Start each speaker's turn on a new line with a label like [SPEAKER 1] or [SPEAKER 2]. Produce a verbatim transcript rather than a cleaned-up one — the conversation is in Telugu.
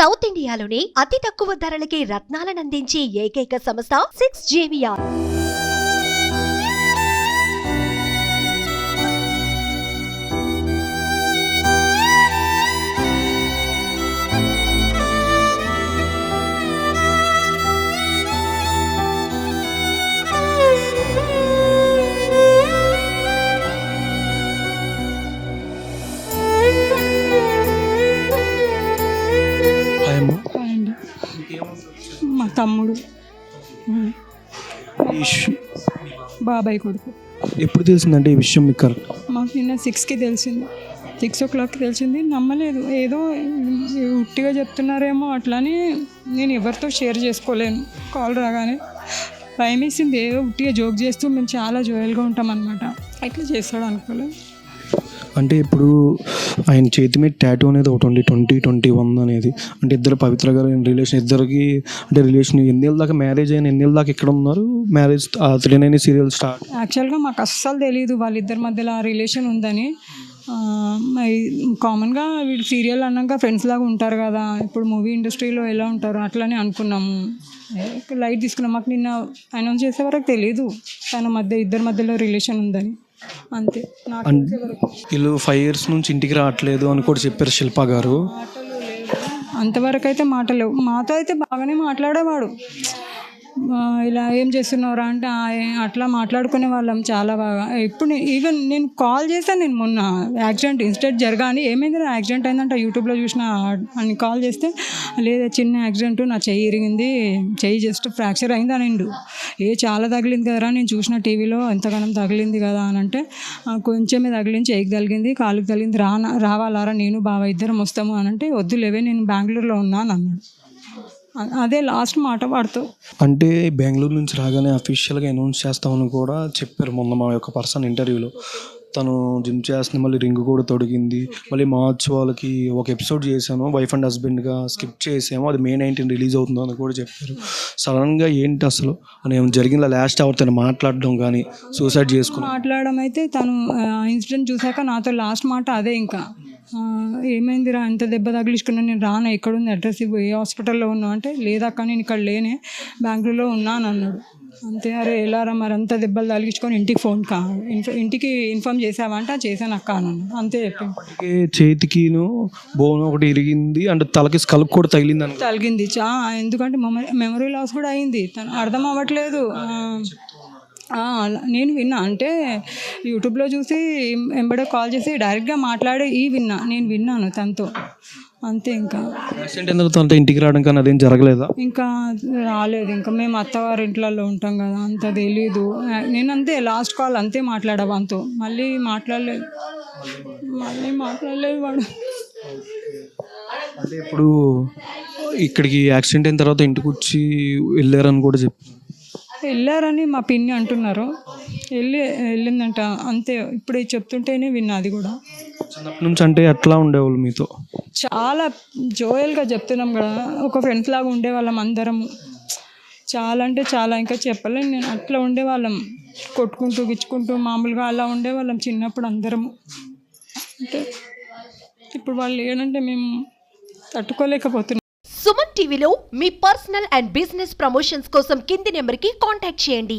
[SPEAKER 1] సౌత్ ఇండియాలోని అతి తక్కువ ధరలకి రత్నాలను అందించే ఏకైక సంస్థ సిక్స్ జేవిఆర్.
[SPEAKER 2] అండి మా తమ్ముడు బాబాయ్ కొడుకు.
[SPEAKER 3] ఎప్పుడు తెలిసిందంటే ఈ విషయం మీకు? కరెక్ట్
[SPEAKER 2] మాకు నిన్న సిక్స్కి తెలిసింది, సిక్స్ ఓ క్లాక్కి తెలిసింది. నమ్మలేదు, ఏదో ఉట్టిగా చెప్తున్నారేమో అట్లని నేను ఎవరితో షేర్ చేసుకోలేను. కాల్ రాగానే భయం వేసింది, ఏదో ఉట్టిగా జోక్ చేస్తూ మేము చాలా జోయల్గా ఉంటాం అనమాట, ఇట్లా చేస్తాడు అనుకోలేదు.
[SPEAKER 3] అంటే ఇప్పుడు ఆయన చేతి మీద టాటూ అనేది ఒకటి ఉంది, ట్వంటీ ట్వంటీ వన్ అనేది. అంటే ఇద్దరు పవిత్ర గారు రిలేషన్, ఇద్దరికి అంటే రిలేషన్ ఎన్నేళ్ళ దాకా మ్యారేజ్ అయిన, ఎన్నేళ్ళ దాకా ఇక్కడ ఉన్నారు marriage three nine serial start.
[SPEAKER 2] యాక్చువల్గా మాకు అస్సలు తెలియదు వాళ్ళిద్దరి మధ్యలో ఆ రిలేషన్ ఉందని. కామన్గా వీళ్ళు సీరియల్ అన్నాక ఫ్రెండ్స్ లాగా ఉంటారు కదా, ఇప్పుడు మూవీ ఇండస్ట్రీలో ఎలా ఉంటారు అట్లనే అనుకున్నాము, లైట్ తీసుకున్నాం. మాకు నిన్న అనౌన్స్ చేసే వరకు తెలియదు తన మధ్య ఇద్దరి మధ్యలో రిలేషన్ ఉందని, అంతే.
[SPEAKER 3] వీళ్ళు ఫైవ్ ఇయర్స్ నుంచి ఇంటికి రావట్లేదు అని కూడా చెప్పారు శిల్ప గారు.
[SPEAKER 2] అంతవరకు అయితే మాటలేవు, మాతో అయితే బాగానే మాట్లాడేవాడు. ఇలా ఏం చేస్తున్నారా అంటే అట్లా మాట్లాడుకునే వాళ్ళం చాలా బాగా. ఇప్పుడు ఈవెన్ నేను కాల్ చేశాను, నేను మొన్న యాక్సిడెంట్ ఇన్సిడెంట్ జరగాని ఏమైంది యాక్సిడెంట్ అయిందంటే యూట్యూబ్లో చూసిన అని కాల్ చేస్తే, లేదా చిన్న యాక్సిడెంట్, నా చెయ్యి ఇరిగింది, చెయ్యి జస్ట్ ఫ్రాక్చర్ అయింది అనిండు. ఏ చాలా తగిలింది కదరా, నేను చూసిన టీవీలో ఎంతగానం తగిలింది కదా అని అంటే, కొంచెమే తగిలింది, చెయ్యికి తగిలింది, కాలుకి తగిలింది, రా రావాలారా నేను బావ ఇద్దరం వస్తాము అని అంటే, వద్దులేవే నేను బెంగళూరులో ఉన్నాను అన్నాడు. అదే లాస్ట్ మాట వాడుతూ.
[SPEAKER 3] అంటే బెంగళూరు నుంచి రాగానే అఫీషియల్గా అనౌన్స్ చేస్తామని కూడా చెప్పారు మొన్న మా యొక్క పర్సన్ ఇంటర్వ్యూలో. తను జిమ్ చేస్తుంది, మళ్ళీ రింగ్ కూడా తొడిగింది, మళ్ళీ మార్చ్ వాళ్ళకి ఒక ఎపిసోడ్ చేశాను వైఫ్ అండ్ హస్బెండ్గా, స్కిప్ చేసాము, అది మే నైన్టీన్ రిలీజ్ అవుతుందో అని కూడా చెప్పారు. సడన్గా ఏంటి అసలు అని జరిగిందా? లాస్ట్ అవర్ తను మాట్లాడడం కానీ సూసైడ్ చేసుకుని
[SPEAKER 2] మాట్లాడడం అయితే, తను ఇన్సిడెంట్ చూసాక నాతో లాస్ట్ మాట అదే, ఇంకా ఏమైందిరా ఎంత దెబ్బ తగిలించుకున్నా, నేను రానా, ఎక్కడుంది అడ్రస్ ఇవ్వు, ఏ హాస్పిటల్లో ఉన్నా అంటే, లేదక్క నేను ఇక్కడ లేనే బెంగళూరులో ఉన్నాను అన్నాడు. అంతే. అరే ఎలారా మరి అంత దెబ్బలు తగిలించుకొని ఇంటికి ఫోన్ కా ఇంటికి ఇన్ఫామ్ చేసావా అంటే చేశాను అక్క అన్నాను, అంతే చెప్పి.
[SPEAKER 3] చేతికిను బోన్ ఒకటి ఇరిగింది, అంటే తలకి స్కల్ప్ కూడా తగిలింది అని
[SPEAKER 2] తగిలింది చా ఎందుకంటే మెమరీ మెమరీ లాస్ కూడా అయింది, తను అర్థం అవ్వట్లేదు. నేను విన్నా, అంటే యూట్యూబ్లో చూసి ఎంబడే కాల్ చేసి డైరెక్ట్గా మాట్లాడే ఈ విన్నా, నేను విన్నాను తనతో, అంతే. ఇంకా
[SPEAKER 3] యాక్సిడెంట్ ఎందుకు తనతో ఇంటికి రావడం కానీ అదేం జరగలేదా?
[SPEAKER 2] ఇంకా రాలేదు, ఇంకా మేము అత్తవారి ఇంట్లలో ఉంటాం కదా, అంత తెలీదు. నేను అంతే లాస్ట్ కాల్ అంతే మాట్లాడా వానితో, మళ్ళీ మాట్లాడలేదు మళ్ళీ మాట్లాడలేదు వాడు.
[SPEAKER 3] అంటే ఇప్పుడు ఇక్కడికి యాక్సిడెంట్ అయిన తర్వాత ఇంటికి వచ్చి వెళ్ళారని కూడా చెప్పి
[SPEAKER 2] వెళ్ళారని మా పిన్ని అంటున్నారు, వెళ్ళి వెళ్ళిందంట అంతే. ఇప్పుడు చెప్తుంటేనే విన్నా అది కూడా.
[SPEAKER 3] చిన్నప్పటి నుంచి అంటే ఎట్లా ఉండేవాళ్ళు మీతో?
[SPEAKER 2] చాలా జోయల్గా చెప్తున్నాం కదా, ఒక ఫ్రెండ్స్ లాగా ఉండేవాళ్ళం అందరం, చాలా అంటే చాలా, ఇంకా చెప్పలేను నేను. అట్లా ఉండేవాళ్ళం, కొట్టుకుంటూ గిచ్చుకుంటూ మామూలుగా అలా ఉండేవాళ్ళం చిన్నప్పుడు అందరము. అంటే ఇప్పుడు వాళ్ళు ఏంటంటే మేము తట్టుకోలేకపోతున్నాం.
[SPEAKER 1] సుమన్ టీవీలో మీ పర్సనల్ అండ్ బిజినెస్ ప్రమోషన్స్ కోసం కింది నెంబర్కి కాంటాక్ట్ చేయండి.